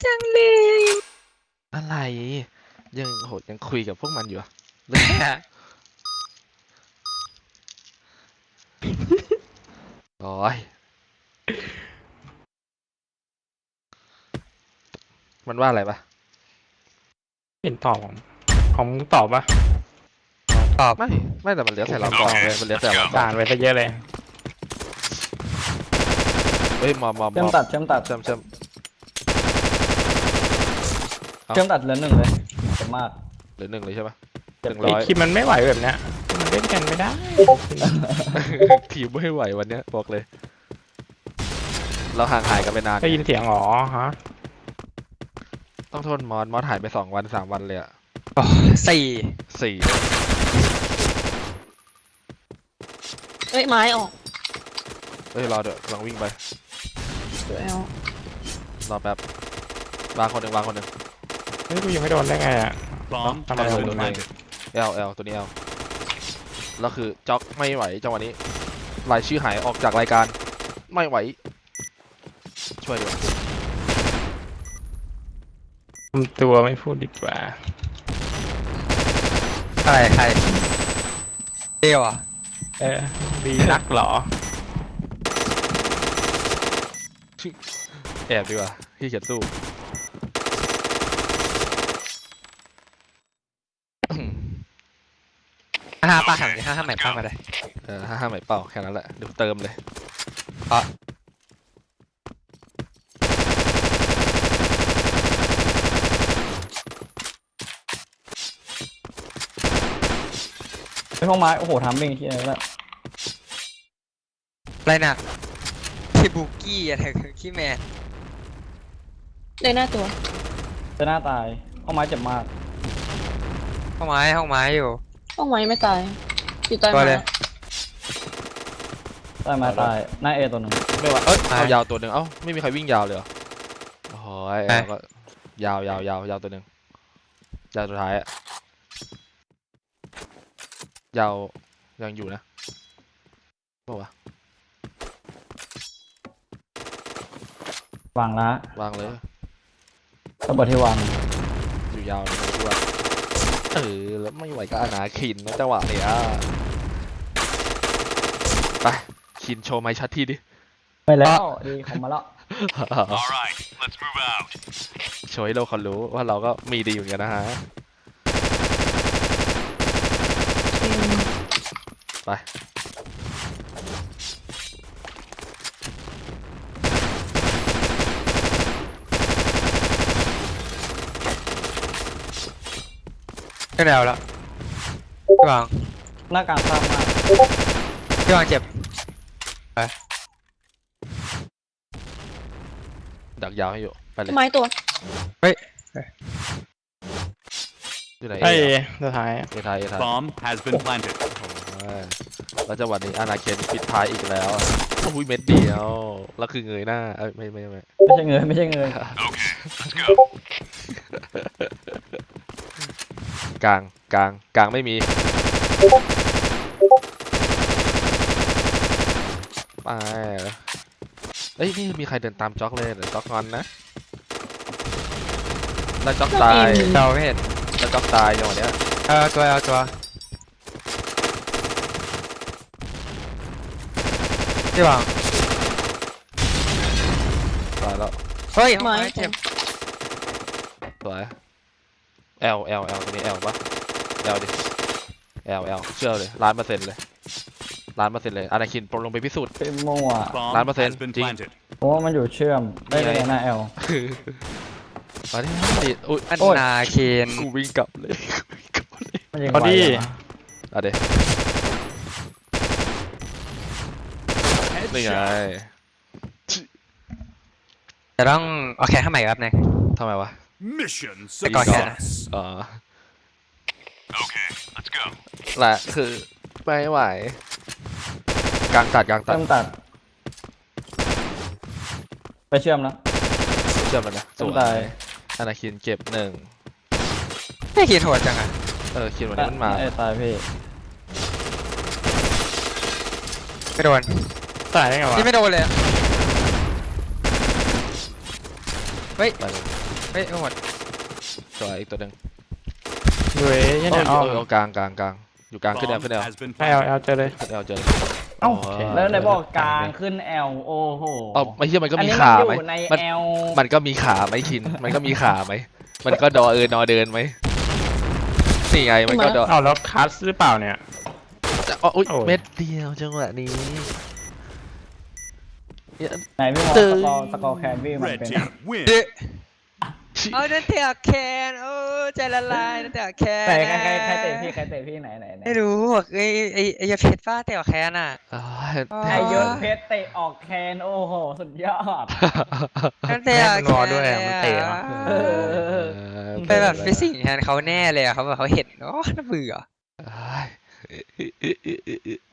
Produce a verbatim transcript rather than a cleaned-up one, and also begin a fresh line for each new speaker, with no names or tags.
จังเลย
อะไรยังโหยังคุยกับพวกมันอยู่อะโอ้ยมันว่าอะไรปะ
เห็นตอบของของมึงตอบปะ
ตอบ
ไม่ไม่แต่มันเหลือใส่เรากองเลยมันเหลือใส่เรากอง
ด่านไปซะเยอะเลย
เฮ้ยมอมมอม
เชื่อมตัดเชื่อมตัด
เชื่อมเชื่อม เอา
เชื่อมตัดเหลือหนึ่งเลยเจ็บมาก
เหลือหนึ่งเลยใช่ปะหนึ่ง
ไอ้
ร้อย
คิมมันไม่ไหวแบบเนี้ยมันเล่นกันไม่ได้
ทีมไม่ไหววันเนี้ยบอกเลย เราห่างหายกันไปนาน
ได้ยินเสียงหรอฮะ
ต้องโทษมอสมอสหายไปสองวันสามวันเลยอะ
สี่
สี่
เอ้ยไม้ออก
เฮ้ยรอเดี๋ยวลองวิ่งไป
เดี๋ยวแอล
รอแป๊บวางคนหนึ่งวางคนหนึ่ง
เฮ้ยกูยังไม่โดนได้ไงอ่ะ
Bomb
Come
has
on,
been
come on.
planted.
เอลเอลตัวนี้เอลแล้วคือจ็อกไม่ไหวจังหวะนี้รายชื่อหายออกจากรายการไม่ไหว ช่วยด้วย
ทำตัวไม่พูดดีกว่า
ใครใครเดียวอ่ะ
เออดีนักเหรอ
แอบดีกว่าพี่เขียนสู้
ห้าป้าหันห้าห้าใหม่ป้ามาเลย
เออห้าห้าไหมเป่าแค่นั้นแหละเดี๋ยวเติมเลย
ไอ้ห้องไม้โอ้โหทำมิ่งที่ไหนละ
อะไรน่ะที่บุกกี้อะไรขี้แมน
เลยหน้าตัว
จะหน้าตายห้องไม้เจ็บมาก
ห้องไม้ห้องไม้อยู่
ต้องไม้ไม่ตายอยู่ใต้
ตัว
ไม้
เลย
ใต้ไม้ตายหน้าเอตัวหนึ่ง
ไม่ว่าเอ้ย
ไป
เอายาวตัวหนึ่งเอ้าไม่มีใครวิ่งยาวเลยเหรอโอ้โหย
ไป
เอาก็ยาวยาวยาวยาวตัวหนึ่งยาวสุดท้ายอะยาวยังอยู่นะบอกว่าว
วางละ
ะวางเลย
ระเบิดที่วาง
อยู่ยาวเลยไม่รู้ว่าเออแล้วไม่ไหวก็อนาคินนะจังหวะเนี้ยไปคินโชว์ไม้ชัดทีดิ
ไปแล้วดีของมาแล้ว
All right, let's move out.
โชว์ให้โลกเขารู้ว่าเราก็มีดีอยู่เหมือนกันนะฮะ ไป
ขึ้นแล้วแล้วพี่วาง
หน้ากลางข้ามมาก
พี่วางเจ็บ
ดักยาวให้อยู่ ไปเลย
ไม้ตัว
อยู่ไหน
ไอ้
เอ
สุดท้าย
เอทายเอทาย
Bomb has been planted.
โอ้ยแล้วจังหวะนี้อนาเคนปิดท้ายอีกแล้วโอ้ยเม็ดเดียว แล้วคือเงยหน้า เอ้ยไม่ไม่ไม่
ไม่ใช่เงยไม่ใช่เงย
Okay, let's go.
กลางกลางกลางไม่มี ไปเอ้ยนี่มีใครเดินตามจ็อกเลยเดี๋ยวจ็อกงอนนะ แล้วจ็อกตาย
เราไม่เห็น
แล้วจ็อกตายจังหวะเนี้ย
เออตัวเอาตัวพี่วาง
ตายแล้ว
เฮ้ยห้อง
ไม้
ไม้เจ็บ
สวย L L L ตัวนี้ L ปะ L ดิ L L เชื่อเลยล้านเปอร์เซ็นต์เลยล้านเปอร์เซ็นต์เลยอนาคินปลงไปพิสูจน์
เป็นมั่ว
Bomb
Nine percent,
has been
Jing.
planted.
เพราะว่ามันอยู่เชื่อมได้เลยหน้าแอล
มาดิดิอุ้ย
อัน
โอ้ย
นาเคน
กูวิ่งกลับเลยกูวิ่งกลับเลย
มันยิง
พอดี
ไวอะ
อ่ะเดี๋ยวนี่ไง
จะต้องเอาแค่ข้างใหม่ครับเนี่ย
ทำไมวะ
Mission
I got
success.
อ๋อ
Okay, let's go.
แหละคือไม่ไหวกลางตัดกลางตัด
เชื่อมตัด ไปเชื่อมแล้ว
เชื่อมันนะส
เชื่อ
ว
มตาย
ยอนาคินเก็บหนึ่ง
ไม่คิดโหดจังอ่ะ
เออคินวันนี้มันมา
ไอ้ตายพี่
ไม่โดน
ตายได้ไงวะ
นี่ไม่โดนเลยอะเฮ้ย
ไปเลย
เฮ้ยเอาหมด
สวยอีกตัวหนึ่ง
ดูเอ้ย
โอ้
เนี่ย
ย
อ้อม
โอ้ยกลางกลางกลางอยู่กลางขึ้นแอล
Bomb
ขึ้นแอล
has been
ไม่เอา
planted.
เอาเจอเลย
ขึ้นแอลเจอ
เอ้า
โย
แล้วไหนบอกกลางขึ้นแอลโอ้โห
เอ้าไม่ใช่มันก็
อัน
มี
นี้
ขา
มัน
ไหม
อยู่ใน
มัน
แอล
มันก็มีขาไหมคิน มันก็มีขาไหม มันก็ดอเออนอเดินไหมนี่ไงมันก็ดอ
เอาแล้วคัสหรือเปล่าเนี่ย
อ๋ออุ๊ย
โอ้ย
เม็ดเดียวจังหวะนี้เนี่ย
ไหนพี่มอง
ตึ
ส
ง
กอร์สกอร์แคนบี้มัน
Red
เป็น
team win.
เอานั่นเตะแคนโอ้ใจละลายนั่นเตะแคน
ไหนใครใครใครเตะพี่ใครเตะพี่ไหนไหนไหน
ไม่รู้บอกไอ้ไอ้ไอ้ยาเพชรป้าเตะแคนอ่ะ
อ้าว
ไอยศเพชรเตะออกแคนโอ้โหสุดยอด
นั่นเตะ
แม่มัน
แคน
วอด้วยอะมันเตะอะ
เออ
ไปแบบไปสิ่งแทนเขาแน่เลยอะเขาแบบเขาเห็นโอ้น่าเบื่อ
อ้าย